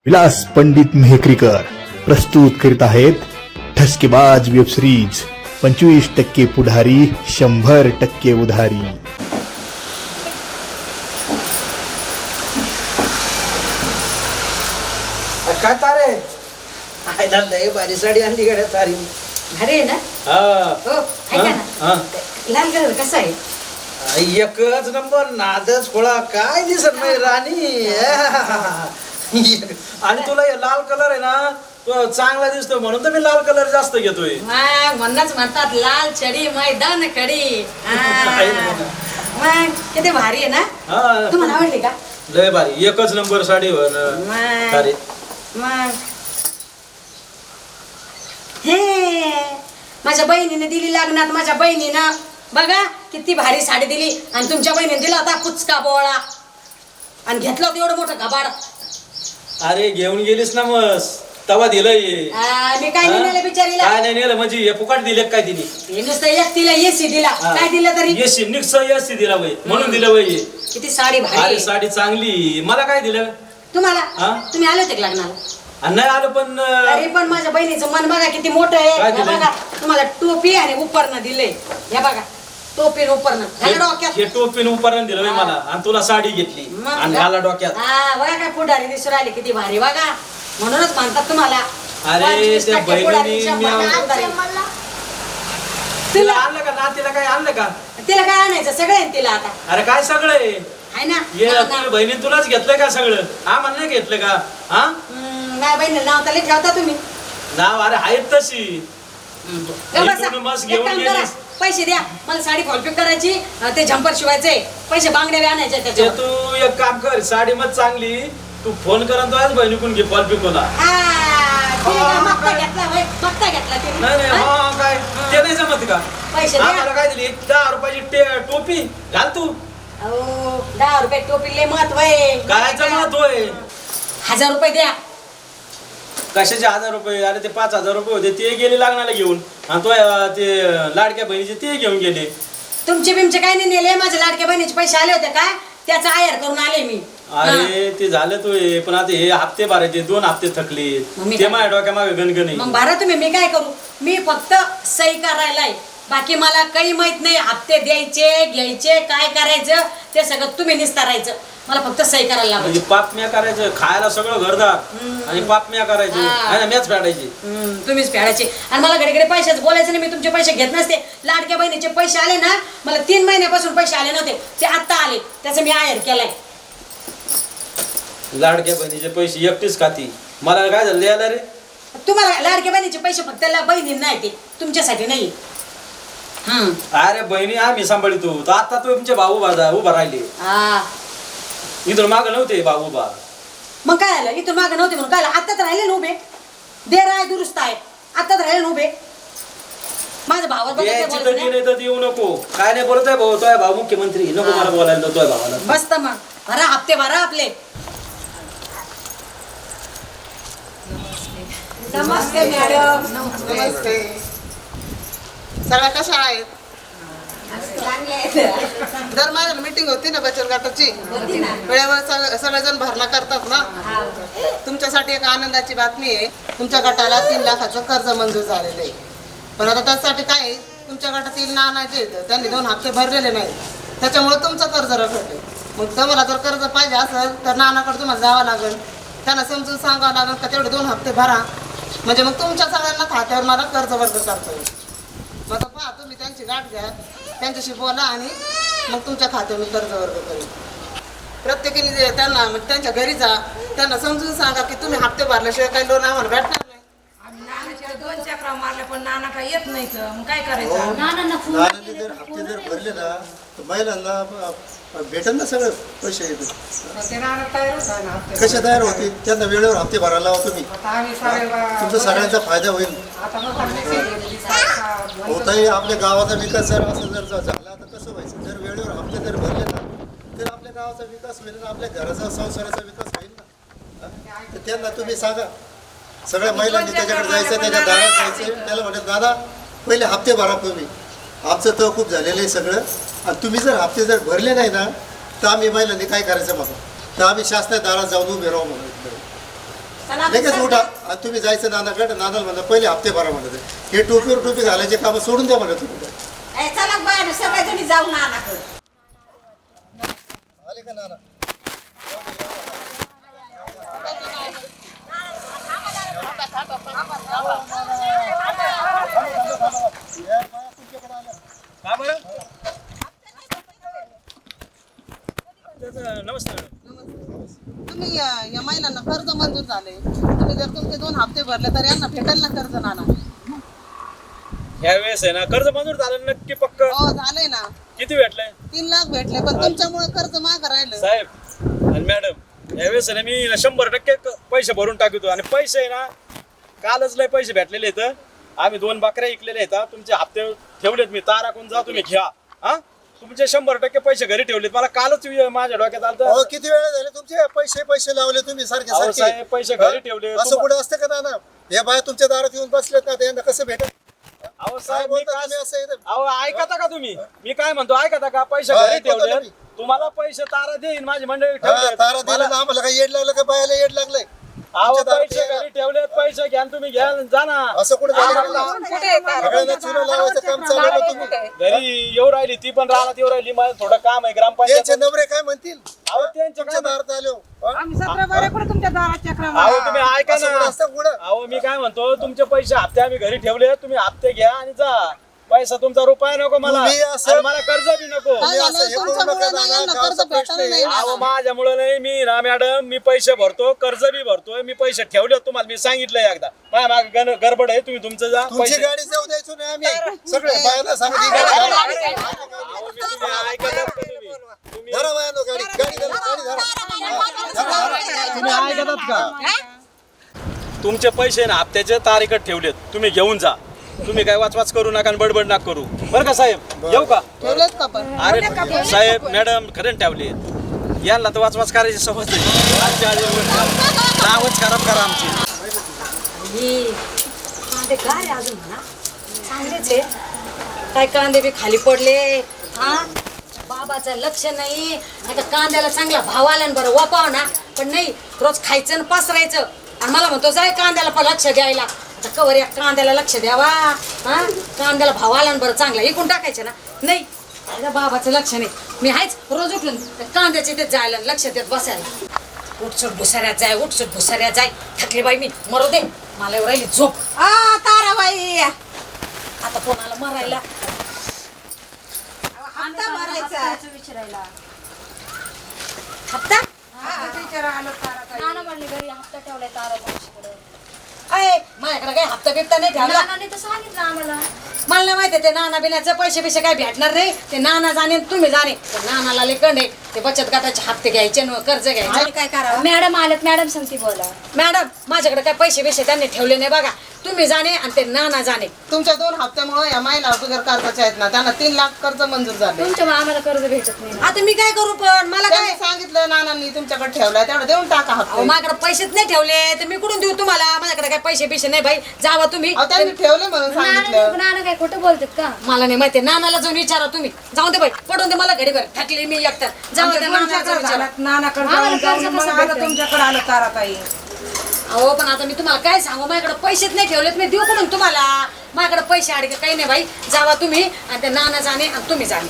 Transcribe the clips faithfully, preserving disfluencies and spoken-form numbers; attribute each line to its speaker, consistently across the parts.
Speaker 1: विलास पंडित मेहकरीकर प्रस्तुत करीत आहेत ठसकेबाज वेब सिरीज पंचवीस टक्के पुढारी शंभर टक्के उधारी.
Speaker 2: काय तारे आयला लय भारी साडी आणली गड्या तारी.
Speaker 3: अरे ना
Speaker 2: हा
Speaker 3: हो ऐका ना
Speaker 2: हा.
Speaker 3: लाल कलर कसा आहे?
Speaker 2: एकच नंबर नादच खोळा काय दिसत नाही राणी. आणि तुला हे लाल कलर आहे ना तो चांगला दिसतो म्हणून तर मी लाल कलर जास्त घेतोय.
Speaker 3: मग म्हणूनच म्हणतात लाल छडी मैदान खडी. हा. मग किती भारी आहे ना.
Speaker 2: हा
Speaker 3: तुम्हाला आवडली का?
Speaker 2: लय भारी एकच नंबर साडी हो ना.
Speaker 3: मग
Speaker 2: तारे
Speaker 3: मग हे माझ्या बहिणीने दिली लग्नात. माझ्या बहिणीनं बघा किती भारी साडी दिली आणि तुमच्या बहिणीने दिला होता पुचका बोळा आणि घेतलं होतं एवढं मोठं कबाड.
Speaker 2: अरे घेऊन गेलीस ना मस तवा दिलंय.
Speaker 3: आ, मी काय नाही नेलं बिचारीला.
Speaker 2: काय नाही नेलं म्हणजे हे फुकाट दिले काय तिने.
Speaker 3: हे नुसतं एक तिला एसी दिला. काय दिलं तरी
Speaker 2: येशी निक्स येशी दिला वय म्हणून दिलं वय.
Speaker 3: किती साडी भारी
Speaker 2: अरे
Speaker 3: आहे.
Speaker 2: साडी चांगली. मला काय दिलं
Speaker 3: तुम्हाला
Speaker 2: हा?
Speaker 3: तुम्ही आले होते का लग्नाला?
Speaker 2: आणि नाही आलं पण
Speaker 3: अरे पण माझ्या बहिणीचं मन बघा किती मोठं आहे.
Speaker 2: काय
Speaker 3: हे
Speaker 2: दिलंय?
Speaker 3: बघा तुम्हाला टोपी आणि उपरणं दिलंय. हे बघा टोपी उपरणं घाला डोक्यात.
Speaker 2: हे टोपीन उपरण दिलं वय मला आणि तुला साडी घेतली
Speaker 3: मग
Speaker 2: आणि घाला डोक्यात.
Speaker 3: हा बघा काय पुढारी दिसून राहिली किती भारी बघा. म्हणूनच म्हणतात तुम्हाला
Speaker 2: अरे
Speaker 3: पंचवीस
Speaker 2: त्या
Speaker 3: टक्के पुढारी,
Speaker 2: बहिणीने
Speaker 3: शंभर
Speaker 2: मी-
Speaker 3: टक्के पुढारी.
Speaker 2: तिला आणलं का ना तिला काय आणलं का.
Speaker 3: तिला काय आणायचं सगळं आहे तिला आता
Speaker 2: अरे काय सगळं आहे
Speaker 3: आहे ना.
Speaker 2: ये
Speaker 3: ना, ना.
Speaker 2: तुझ्या बहिणीने तुलाच घेतलंय का सगळं. हा मला नाही घेतलं का. हा
Speaker 3: हम्म, माझ्या बहिणीला नाव तरी ठेवता तुम्ही.
Speaker 2: नाव अरे आहेत तशी.
Speaker 3: गं बसा.
Speaker 2: इकडून मस्त
Speaker 3: एक
Speaker 2: घेऊन
Speaker 3: काम करा,
Speaker 2: गेलीस.
Speaker 3: पैसे द्या मला साडी फॉलपिक करायची अं, ते झंपर शिवायचे पैसे बांगड्या बी आणायचे
Speaker 2: ते
Speaker 3: त्याच्यावर.
Speaker 2: तू एक काम कर साडी मग चांगली तू फोन करा तो आज बहिणीकडून घे फॉल पिकोला.
Speaker 3: हा, तिने
Speaker 2: हा,
Speaker 3: काय मागता
Speaker 2: काय?
Speaker 3: घेतला होय? मागता घेतला तिने.
Speaker 2: नाही नाही
Speaker 3: हा?
Speaker 2: हा काय ते नाही जमत का.
Speaker 3: पैसे
Speaker 2: हा,
Speaker 3: द्या.
Speaker 2: मला काय दिली दहा रुपयाची टे- टोपी घाल तू.
Speaker 3: अहो, दहा रुपये टोपीले महत्व आहे.
Speaker 2: काय जमत होय.
Speaker 3: हजार रुपये द्या.
Speaker 2: कशाचे हजार रुपये. अरे ते पाच हजार रुपये होते ते गेले लागणाला घेऊन आणि तो अं, ते लाडक्या बहिणीचे ते घेऊन गेले.
Speaker 3: तुमचे बिमचे काय नाही नेले. माझ्या लाडक्या बहिणीचे पैसे आले होते काय त्याचा आयर करून आले मी.
Speaker 2: अरे ते झालं तो हे, पण आता हे हप्ते भरायचे दोन हप्ते थकले
Speaker 3: मग मी
Speaker 2: ते
Speaker 3: काय-
Speaker 2: माझ्या डोक्या मागे गणगण
Speaker 3: मग भरा तुम्ही. मी काय करू. मी फक्त सही करायलाय. बाकी मला काही माहित नाही. हप्ते द्यायचे घ्यायचे काय करायचं ते सगळं तुम्ही निस्तारायचं. मला फक्त सही करायला
Speaker 2: म्हणजे
Speaker 3: लावायची.
Speaker 2: पापम्या करायचं खायला सगळं घरदार आणि पापम्या करायची
Speaker 3: हा.
Speaker 2: आणि मॅच फेडायची.
Speaker 3: हम्म, तुम्हीच फेडायचे. आणि मला घडी घडी पैशाच बोलायचं नाही. मी तुमचे पैसे घेत नसते. लाडक्या बहिणीचे पैसे आले ना मला तीन महिन्यापासून पैसे आले नव्हते ते आता आले त्याचं मी आयर केलाय.
Speaker 2: लाडक्या बहिणीचे पैसे एकटीच खाती. मला काय झालं द्यायला रे.
Speaker 3: तुम्हाला लाडक्या बहिणीचे पैसे फक्त बहिणी नाही ते तुमच्यासाठी नाही. हम्म
Speaker 2: अरे बहिणी आम्ही सांभाळतो तर आता तो तुमचे भाऊ बाजा उभा राहिले.
Speaker 3: हा
Speaker 2: इथून माग नव्हते भाऊ उभा.
Speaker 3: मग काय आलं इथून मागं नव्हते म्हणून काय आलं. आत्ताच राहिले ना उभे. देर आहे दुरुस्त आहे. आत्ताच राहिले ना उभे. माझ्या भावाला बघा काय
Speaker 2: यायची
Speaker 3: बोलायचं
Speaker 2: तर
Speaker 3: नाही.
Speaker 2: नाही तर येऊ नको. काय नाही बोलत आहे भाऊ तोय भाऊ मुख्यमंत्री नको
Speaker 3: हा.
Speaker 2: मला बोलायला तोय भावाला.
Speaker 3: बस तर मग भरा हप्ते भरा आपले. नमस्ते मॅडम.
Speaker 4: नमस्ते. सगळ्या कशा आहेत. दर महिन्याला मीटिंग होती ना बचत गटाची वेळेवर सग- सगळेजण भरणा करतात ना. तुमच्यासाठी एक आनंदाची बातमी आहे. तुमच्या गटाला तीन लाखाचं कर्ज मंजूर झालेलं आहे. पण आता त्यासाठी काय आहे, तुमच्या गटातील नाना जे आहेत, त्यांनी दोन हप्ते भरलेले नाही त्याच्यामुळे तुमचं कर्ज रखडले. मग तुम्हाला जर कर्ज पाहिजे असेल तर नानाकडे तुम्हाला जावं लागेल. त्यांना समजून सांगावं लागेल का तेवढे दोन हप्ते भरा म्हणजे मग तुमच्या सगळ्यांना खात्यावर मला कर्ज वर्ग करता येईल. मग आता पहा तुम्ही त्यांची गाठ घ्या त्यांच्याशी बोला आणि मग तुमच्या खात्यावर कर्ज वर्ग करेल. प्रत्येकाने जे त्यांना म्हणजे त्यांच्या घरी जा त्यांना समजून सांगा की तुम्ही हप्ते भरल्याशिवाय काही लोन आम्हाला भेटणार नाही.
Speaker 5: दोन चक्रा मारल्या पण नाना काय येत नाही तर मग काय करायचं.
Speaker 6: नानाने जर हप्ते जर भरले ना तर महिलांना भेटेल ना सगळं पैसे येतील.
Speaker 5: ते नाना तयार होता ना हप्ते.
Speaker 6: कसे तयार होतील त्यांना वेळेवर हप्ते भरायला लावा तुम्ही.
Speaker 5: आता आम्ही सारे
Speaker 6: तुमचा सगळ्यांचा फायदा होईल.
Speaker 5: आता मग आम्ही केली. सा- सा-
Speaker 6: होताही आपल्या गावाचा विकास जर असं जर झा- झाला तर कसं व्हायचं. जर वेळेवर हप्ते जर भरले ना तर आपल्या गावाचा विकास होईल ना आपल्या घराचा संसाराचा विकास होईल ना. हा? तर त्यांना तुम्ही सांगा. सगळ्या महिलांनी त्याच्याकडे जायचं त्याच्या दारात जायचं त्याला म्हणत दादा पहिले हप्ते भरा तुम्ही. आमचं तर खूप झालेलं आहे सगळं आणि तुम्ही जर हप्ते जर भरले नाही ना तर आम्ही महिलांनी काय करायचं बघा तर आम्ही शासनाच्या दारात जाऊन उभे राहू म्हणून.
Speaker 3: चला,
Speaker 6: लगेच
Speaker 3: चला.
Speaker 6: उठा आणि तुम्ही जायचं नानाकडे. नानाला म्हणलं पहिले हप्ते भरा म्हणत हे टोपीवर टोपी घालायचे कामं सोडून द्या म्हणत तुम्ही.
Speaker 3: ए, चला बाहेर सगळेजणी जाऊ नानाकडे.
Speaker 6: आले का नाना?
Speaker 2: का बरं त्याचं- नमस्ते मॅडम.
Speaker 4: तुम्ही या या महिलांना कर्ज मंजूर झाले, तुम्ही जर तुमचे दोन हप्ते भरले तर यांना भेटेल ना कर्ज नाना?
Speaker 2: ह्या वेळेस आहे ना कर्ज मंजूर झालं नक्की पक्क.
Speaker 4: हो झालंय ना,
Speaker 2: किती भेटलंय
Speaker 4: तीन लाख भेटले, पण तुमच्यामुळे कर्ज मागं राहिलं.
Speaker 2: साहेब आणि मॅडम? यावेळेस आहे ना मी ना शंभर टक्के क- पैसे भरून टाकतो. आणि पैसे आहे ना कालच लय पैसे भेटलेले आहेत. आम्ही दोन बकऱ्या ऐकलेले आहेत. तुमचे हप्ते ठेवलेत मी. तारा कोण जा तुम्ही घ्या. हा तुमचे शंभर टक्के पैसे घरी ठेवलेत. मला कालच वि- माझ्या डोक्यात आलं
Speaker 6: अहो किती वेळा झाले तुमचे पैसे पैसे लावले तुम्ही सारखे
Speaker 2: अहो
Speaker 6: सारखे.
Speaker 2: साहेब, पैसे घरी ठेवले.
Speaker 6: असं
Speaker 2: तुम्हा-
Speaker 6: कुठे असतं का नाना? या बाया तुमच्या दारात येऊन बसलेत ना, त्यांना कसं भेटेल?
Speaker 2: अहो
Speaker 6: काय
Speaker 2: साहेब मी
Speaker 6: बोलता
Speaker 2: काय
Speaker 6: तुम्ही असं इथं?
Speaker 2: अहो ऐकता का तुम्ही? मी काय म्हणतो ऐकता का? पैसे
Speaker 6: हा,
Speaker 2: घरी
Speaker 6: ऐकतो
Speaker 2: ठेवले.
Speaker 6: तुम्ही.
Speaker 2: तुम्हाला पैसे तारा देईन माझी मंडळी
Speaker 6: हा,
Speaker 2: ठेवलेत.
Speaker 6: तारा दिला
Speaker 2: मला-
Speaker 6: ना आम्हाला काय येड लागलं का बायाला येड लागलंय?
Speaker 2: अहो
Speaker 6: तुमच्या दारात
Speaker 2: पैसे
Speaker 6: यायला.
Speaker 2: घरी ठेवलेत. पैसे घ्या आणि तुम्ही घ्या आणि जा ना.
Speaker 6: असं कुठे
Speaker 2: आम्हाला-
Speaker 6: सगळ्यांना चुना लावायचं काम चालवलं तुम्ही.
Speaker 2: घरी येऊ राहिली ती पण राहणार येऊ राहिली. मला थोडं काम आहे ग्रामपंचायत.
Speaker 6: त्यांचे नवरे काय म्हणतील?
Speaker 2: अहो त्यांच्या
Speaker 6: तुमच्या
Speaker 2: काय
Speaker 6: दारात आलो हा?
Speaker 5: आम्ही सतरा बाऱ्याकडे तुमच्या दारात चक्र
Speaker 2: अहो तुम्ही ऐका
Speaker 6: असं कुठं
Speaker 2: ना.
Speaker 6: असतं कुठं?
Speaker 2: अहो मी काय म्हणतो तुमचे पैसे हप्ते आम्ही घरी ठेवले. तुम्ही हप्ते घ्या आणि जा. पैसा तुमचा रुपया नको मला.
Speaker 6: तुम्ही असं-
Speaker 2: आणि मला कर्ज बी नको.
Speaker 4: काय
Speaker 6: तुम्ही
Speaker 4: झालं?
Speaker 6: असं हे करू
Speaker 4: तुमच्यामुळे
Speaker 6: नका
Speaker 4: ना
Speaker 6: नाना,
Speaker 4: यांना
Speaker 6: गावचा
Speaker 4: कर्ज
Speaker 6: प्रश्न
Speaker 4: भेटलं नाही
Speaker 6: आहे.
Speaker 4: ना.
Speaker 2: अहो माझ्यामुळे नाही. मी ना मॅडम मी पैसे भरतो कर्ज बी भरतोय. मी पैसे ठेवले तुम्हाला मी सांगितलंय एकदा. माझ्या मागे गण- गडबड आहे. तुम्ही तुमचं जा.
Speaker 6: तुमची
Speaker 2: पैसे
Speaker 6: गाडी जाऊ द्यायचो नाही आम्ही. सगळे बायाला सांगितली गाडी घाला.
Speaker 2: अहो, मी तुम्ही ऐकतच का तुम्ही? तुम्ही
Speaker 6: धरा बायानो गाडी गाडी धरा गाडी धरा.
Speaker 2: तुम्ही ऐकतात का? तुमचे पैसे ना हप्त्याचे तारीखत ठेवलेत. तुम्ही घेऊन जा. तुम्ही काय वाचवाच करू नका आणि बडबड नका करू. बरं का साहेब? येऊ का?
Speaker 4: ठेवलेत का पण?
Speaker 2: अरे साहेब मॅडम खरं ठेवले. यांना तर वाचवाच करायची सवय नाही. आजच्या आज नावच खराब करा आमची.
Speaker 3: ही, कांदे काय अजून म्हणा चांगलेच आहे. काय कांदे बी खाली पडले. हा बाबाचं लक्ष नाही. आता कांद्याला चांगला भाव आला ना बरं वापाव ना. पण नाही रोज खायचं आणि पसरायचं. आणि मला म्हणतो जाय कांद्याला पण लक्ष द्यायला. आता कवर या कांद्याला लक्ष द्यावा. हा कांद्याला भाव आला ना बरं चांगला इकून टाकायचं ना. नाही आता बाबाचं लक्ष नाही. मी आहेच रोज उठून त्या कांद्याच्या इथे जायला लक्ष देत बसायला. उठसूट भुसाऱ्यात जाय उठसूट भुसाऱ्यात जाय. थकली बाई मी मरू दे. मला एवढं राहिली झोप.
Speaker 5: आ ताराबाई
Speaker 3: आता कोणाला मरायला
Speaker 5: हप्ता भरायचा
Speaker 3: विचारायला हप्ता
Speaker 5: विचारा आलो तारा
Speaker 7: नाना म्हणले घरी हप्ता ठेवलाय तारा मावशीकडे.
Speaker 3: अय माझ्याकडे काही हप्ता बिप्ता नाही ठेवला.
Speaker 7: नानाने तर सांगितलं आम्हाला.
Speaker 3: मला नाही माहिती ते नाना बिनाचे पैसे बिसे काही भेटणार नाही. ते नाना जाणे आणि तुम्ही जाणे. ते नानाला लेखंड आहे. ते बचत गटाचे हप्ते घ्यायचे न कर्ज घ्यायचे.
Speaker 5: काय करावं?
Speaker 7: मॅडम आलेत मॅडम सांगते बोला.
Speaker 3: मॅडम माझ्याकडे काही पैसे बिसे त्यांनी ठेवले नाही बघा. तुम्ही जाणे आणि ते नाना जाणे.
Speaker 4: तुमच्या दोन हप्त्यामुळे या महिला बिगर कर्जाच्या आहेत ना, त्यांना तीन लाख कर्ज मंजूर झाले.
Speaker 7: तुमच्यामुळे आम्हाला कर्ज भेटत नाही.
Speaker 3: आता मी काय करू पण मला काय
Speaker 4: त्यांनी सांगितलं नानांनी तुमच्याकडे ठेवलाय तेवढं देऊन टाका
Speaker 3: अहो
Speaker 4: हप्ते.
Speaker 3: माझ्याकडे पैसेच नाही ठेवले तर मी कुठून देऊ तुम्हाला? माझ्याकडे काही पैसे बिसे नाही बाई. जावा तुम्ही.
Speaker 4: अहो, त्यांनी ठेवले म्हणून
Speaker 7: नाना
Speaker 4: सांगितलं.
Speaker 7: नाना काय खोटं बोलतात का?
Speaker 3: मला नाही माहिती. नानाला जाऊन विचारा तुम्ही. जाऊ दे बाई पडून दे मला घडीभर. थकली मी एकटा. जाऊ दे नानाला जाऊन विचारा.
Speaker 5: नानाकडे
Speaker 7: आम्हाला
Speaker 5: जाऊन जाऊन
Speaker 7: कर्ज
Speaker 5: मग
Speaker 7: कसं
Speaker 5: आता
Speaker 7: भेटेल?
Speaker 5: तुमच्याकडे आलो ताराताई.
Speaker 3: अहो पण आता मी तुम्हाला काय सांगू? माझ्याकडे पैसेच नाही ठेवलेत. मी देऊ कुठून तुम्हाला? माझ्याकडे पैसे अडके काही नाही बाई. जावा तुम्ही आणि ते नाना जाणे आणि तुम्ही जाणे.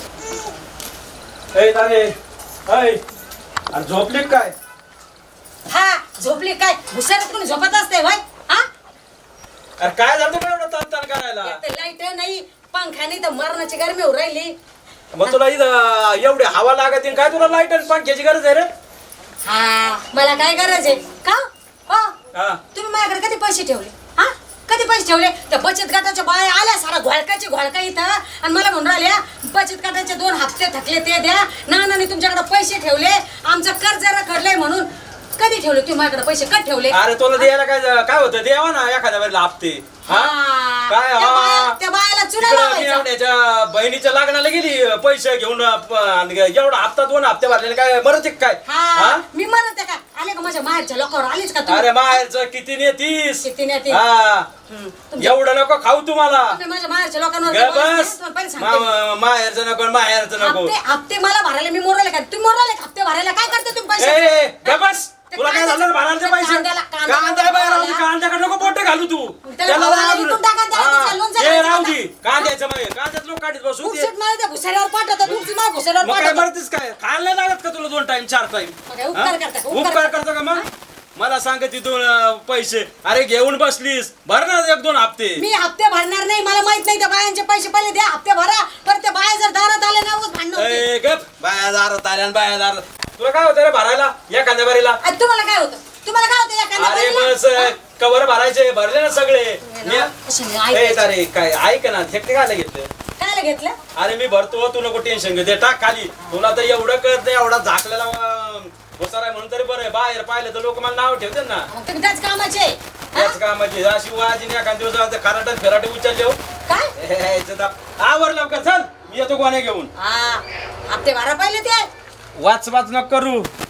Speaker 2: ए, तारे. ऐ, अरे झोपली का काय?
Speaker 3: हा झोपली काय? भुसाऱ्यात कोणी झोपत असते भाई? हा
Speaker 2: अरे काय झालं तुला एवढं तन तन करायला?
Speaker 3: लाईट नाही पंखा नाही तर मरणाची गरमी होऊ राहिली.
Speaker 2: मग तुला इथं एवढी हवा लागत काय तुला लाईट आणि पंख्याची गरज आहे रे?
Speaker 3: हा मला काय गरज आहे का? हो
Speaker 2: हा
Speaker 3: तुम्ही माझ्याकडे कधी पैसे ठेवले? हा कधी पैसे ठेवले? त्या बचत गटाच्या बाया आल्या सारा घोळकाची घोळका इथं आणि मला म्हणून राहिल्या बचत गटाचे दोन हप्ते थकले ते द्या. नानाने तुमच्याकडे पैसे ठेवले. आमचं कर्ज रखडलंय म्हणून. कधी ठेवले तुम्ही माझ्याकडे पैसे? कधी ठेवले?
Speaker 2: अरे तुला द्यायला काय काय होतं? द्यावा ना एखाद्या वेळेला हप्ते. हा
Speaker 3: हा.
Speaker 2: काय
Speaker 3: त्या
Speaker 2: हा
Speaker 3: बाया- त्या बायाला चुना
Speaker 2: तिकडं
Speaker 3: लावायचा.
Speaker 2: मेवण्याच्या बहिणीच्या लग्नाला गेली पैसे घेऊन प- आणि एवढा हप्ता दोन हप्ते भरलेले काय मरत काय?
Speaker 3: हा
Speaker 2: हा?
Speaker 3: मी म्हणत आहे का? आले का माझ्या माहेरच्या लोकांवर आलीच का तुम्ही?
Speaker 2: अरे माहेरचं किती ने तीस.
Speaker 3: किती नाही ते?
Speaker 2: हा
Speaker 3: हम्म. तुमच्या-
Speaker 2: एवढं नको खाऊ तुम्हाला.
Speaker 3: तुम्ही माझ्या माहेरच्या लोकांवर
Speaker 2: ग
Speaker 3: बोलत
Speaker 2: बस
Speaker 3: नाही, पहिले सांगते मी.
Speaker 2: मा- माहेरचं नको माहेरचं नको.
Speaker 3: हप्ते हप्ते मला भरायला मी मोरले का? तुम्ही मोरले का हप्ते भरायला? काय करते तुम्ही पैसे?
Speaker 2: ए ग बस तुला काय झालं भरायचे पैसे?
Speaker 3: कांद्याला- कांद्याला-
Speaker 2: कांदा घालू तू
Speaker 3: त्याला भावाला इथून टाका, त्याला
Speaker 2: हा,
Speaker 3: त्याचं लोणचं
Speaker 2: ते
Speaker 3: घालायचं
Speaker 2: राहू
Speaker 3: ना.
Speaker 2: दे कांद्याचं मागे कांद्यात लोक काढत बसू
Speaker 3: खूप
Speaker 2: दे.
Speaker 3: सीट मला त्या घुसाऱ्यावर पाठवतात तुमची मा घुसाऱ्यावर
Speaker 2: मग काय
Speaker 3: पाठवतात
Speaker 2: मरतेस काय खायला नाही लागत का तुला दोन टाइम चार टाइम
Speaker 3: मग काय उपकार करता का? उपकार
Speaker 2: उपकार करतो का मग मला सांग तिथून अं, पैसे अरे घेऊन बसलीस भर ना एक दोन हप्ते
Speaker 3: मी हप्ते भरणार नाही मला माहित नाही त्या बायांचे पैसे पहिले द्या हप्ते भरा पण त्या बाया जर दारात आले ना उगाच भांडणं होते.
Speaker 2: ए, गप बाया दारात आल्या आणि बाया दारात तुला काय होतं रे भरायला या कांद्या बारीला
Speaker 3: आणि तुम्हाला काय होतं तुम्हाला काय होतं या कांद्या
Speaker 2: अरे
Speaker 3: बारीला?
Speaker 2: बस कवर भरायचे भरले ना सगळे मी-
Speaker 3: कशाने
Speaker 2: ए,
Speaker 3: ऐकायचं?
Speaker 2: अरे काय ऐक ना थेकते खायला घेतलं
Speaker 3: कायला घेतलं
Speaker 2: अरे मी भरतो तू नको टेन्शन घे ते टाक खाली तुला तर एवढं कळत नाही एवढा झाकलेला होसार आहे म्हणून तरी बरं आहे बाहेर पाहिलं तर लोक मला नाव ठेवते ना
Speaker 3: मग तुम्ही त्याच कामाचे आहे.
Speaker 2: त्याच कामाची अशी वाजी एखाद दिवस खराटे फिराटे उचलले हो
Speaker 3: काय
Speaker 2: हे, इथं दाब. आवर लवकर चल मी येतो कोण्या घेऊन
Speaker 3: हा हप्ते भरा पहिले ते
Speaker 2: वाच वाच नको करू